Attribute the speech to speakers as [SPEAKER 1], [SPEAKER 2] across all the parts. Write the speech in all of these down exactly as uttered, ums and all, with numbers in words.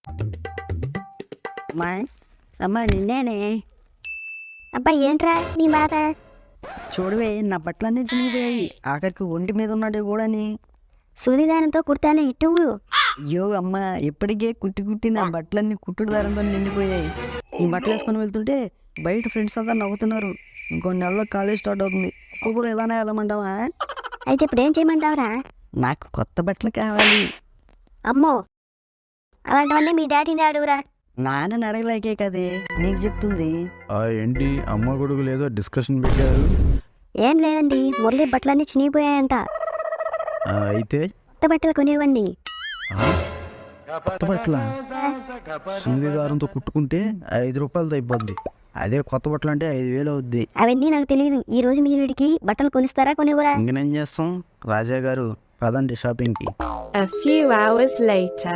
[SPEAKER 1] అమ్మా అమ్మా నిన్నేనే.
[SPEAKER 2] అబ్బా ఏంట్రా నీ బాధ?
[SPEAKER 1] చూడవే నా బట్టలన్నీ చినిగిపోయాయి, ఆఖరికి ఒంటి మీద ఉన్నాడు కూడాని.
[SPEAKER 2] సూదిదానంతో కుర్తానే ఇటు.
[SPEAKER 1] అయ్యో అమ్మ, ఇప్పటికే కుట్టి కుట్టి నా బట్టలన్నీ కుట్టుడు దారంతో నిండిపోయాయి. ఈ బట్టలు వేసుకొని వెళ్తుంటే బయట ఫ్రెండ్స్ అంతా నవ్వుతున్నారు. ఇంకొన్ని నెలలో కాలేజ్ స్టార్ట్ అవుతుంది, అప్పుడు కూడా ఇలానే వెళ్ళమంటావా?
[SPEAKER 2] అయితే ఇప్పుడు ఏం చేయమంటావురా?
[SPEAKER 1] నాకు కొత్త బట్టలు కావాలి.
[SPEAKER 2] అమ్మో, అలాంటివన్నీ మీ డాడీని అడుగురా.
[SPEAKER 1] నాన్నని అడగలేకే కదే నీకు చెప్తుంది.
[SPEAKER 3] ఆ ఏంటి అమ్మ కొడుకు లేదో డిస్కషన్ పెట్టారు?
[SPEAKER 2] ఏం లేదండి, మురళి బట్టలన్నీ చినిగిపోయాయంట.
[SPEAKER 3] ఆ, అయితే
[SPEAKER 2] కొత్త బట్టలు కొనివ్వండి.
[SPEAKER 3] ఆ? కొత్త బట్టల సూది దారంతో కుట్టుకుంటే ఐదు రూపాయలతో అయిపోద్ది. అదే కొత్త బట్టలు అంటే ఐదు వేలు అవుద్ది.
[SPEAKER 2] అవన్నీ నాకు తెలియదు. ఈ రోజు మీ వీడికి బట్టలు కొనిస్తారా కొనివ్వరా?
[SPEAKER 3] ఇంకనేం చేస్తాం రాజా గారు, పదండి షాపింగ్కి.
[SPEAKER 4] A few hours later.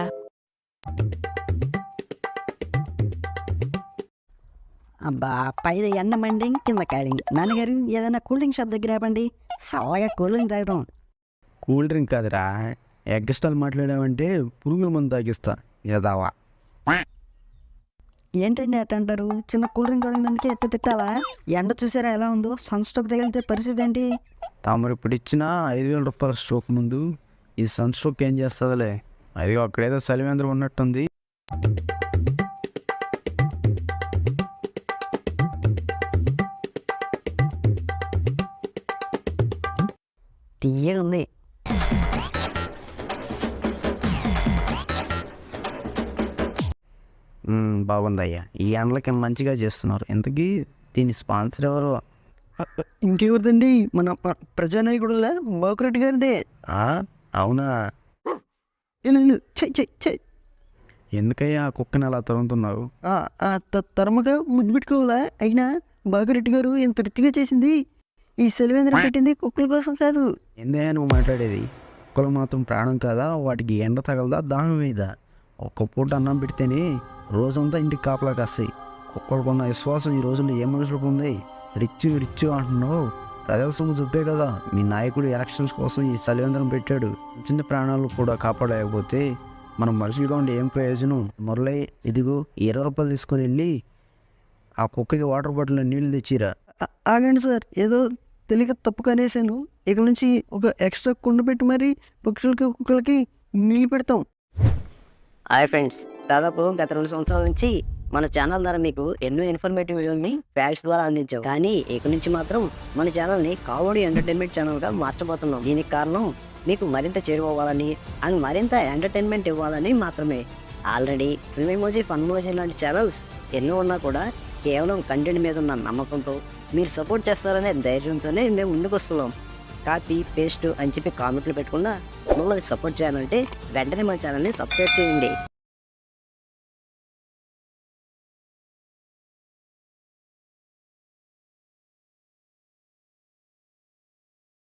[SPEAKER 1] అబ్బా, పైన ఎండ మండి కింద కాలింగ్. నాన్నగారు ఏదైనా కూల్ డ్రింక్ షాప్ దగ్గర ఆపండి, చల్లగా కూల్ డ్రింక్ తాగుతాం.
[SPEAKER 3] కూల్ డ్రింక్ కాదురా, ఎగ్ స్టాల్ మాట్లాడావంటే పురుగుల మందు తాగిస్తా ఏదావా.
[SPEAKER 1] ఏంటండి అట్ట అంటారు? చిన్న కూల్ డ్రింక్ అడిగినందుకే ఎట్ట తిట్టాలా? ఎండ చూసారా ఎలా ఉందో? సన్ స్ట్రోక్ తగిలితే పరిస్థితి ఏంటి?
[SPEAKER 3] తామరు ఇప్పుడు ఇచ్చిన ఐదు వేల రూపాయల స్ట్రోక్ ముందు ఈ సన్ స్ట్రోక్ ఏం చేస్తుందిలే. అది అక్కడేదో సలివేంద్రం ఉన్నట్టుంది.
[SPEAKER 1] తీయగా ఉంది.
[SPEAKER 3] మ్మ్, బాగుందయ్యా, ఈ ఎండలకి మంచిగా చేస్తున్నారు. ఇంతకీ దీని స్పాన్సర్ ఎవరు?
[SPEAKER 1] ఇంకెవరిదండి? మన ప్రజానాయకుడులా బాకురెడ్డి గారిదే.
[SPEAKER 3] ఆ, అవునా?
[SPEAKER 1] చెయ్ చెయ్ చెయ్.
[SPEAKER 3] ఎందుకయ్యా ఆ కుక్కని అలా తరుగుతున్నావు?
[SPEAKER 1] తరమగా ముద్దు పెట్టుకోవాలా? అయినా బాకురెడ్డి గారు ఎంత రిచ్గా చేసింది ఈ సెలవేంద్రం పెట్టింది కుక్కల కోసం కాదు.
[SPEAKER 3] ఏందయ్యా నువ్వు మాట్లాడేది? కుక్కలు మాత్రం ప్రాణం కాదా? వాటికి ఎండ తగలదా, దాహం వేయదా? ఒక్క పూట అన్నం పెడితేనే రోజంతా ఇంటికి కాపలా కాస్తాయి. కుక్కలకున్న విశ్వాసం ఈ రోజుల్లో ఏ మనుషులకు ఉంది? రిచ్ రిచ్ అంటున్నావు, ప్రజల సొమ్ము చెప్పే కదా. మీ నాయకుడు ఎలక్షన్స్ కోసం ఈ సలివేంద్రం పెట్టాడు. చిన్న ప్రాణాలు కూడా కాపాడలేకపోతే మనం మనుషులుగా ఉండి ఏం ప్రయోజనం? మురళి, ఇదిగో ఇరవై రూపాయలు తీసుకొని వెళ్ళి ఆ కుక్కకి వాటర్ బాటిల్ నీళ్ళు తెచ్చిరా.
[SPEAKER 1] ఆగండి సార్, ఏదో తెలియక తప్పు కనేసాను. ఇక నుంచి ఒక ఎక్స్ట్రా కుండ పెట్టి మరి పక్షులకి కుక్కలకి నీళ్ళు పెడతాం.
[SPEAKER 5] హాయ్ ఫ్రెండ్స్, దాదాపు గత రెండు సంవత్సరాల నుంచి మన ఛానల్ ద్వారా మీకు ఎన్నో ఇన్ఫర్మేటివ్ వీడియోని ఫ్యాక్స్ ద్వారా అందించాం. కానీ ఇక నుంచి మాత్రం మన ఛానల్ని కామెడీ ఎంటర్టైన్మెంట్ ఛానల్గా మార్చబోతున్నాం. దీనికి కారణం మీకు మరింత చేరుకోవాలని అండ్ మరింత ఎంటర్టైన్మెంట్ ఇవ్వాలని మాత్రమే. Already film emoji, fun emoji లాంటి ఛానల్స్ ఎన్నో ఉన్నా కూడా కేవలం కంటెంట్ మీద ఉన్న నమ్మకంతో మీరు సపోర్ట్ చేస్తారనే ధైర్యంతోనే మేము ముందుకు వస్తున్నాం. కాపీ పేస్ట్ అని చెప్పి కామెంట్లు పెట్టకుండా మమ్మల్ని సపోర్ట్ చేయాలంటే వెంటనే మన ఛానల్ని సబ్స్క్రైబ్ చేయండి.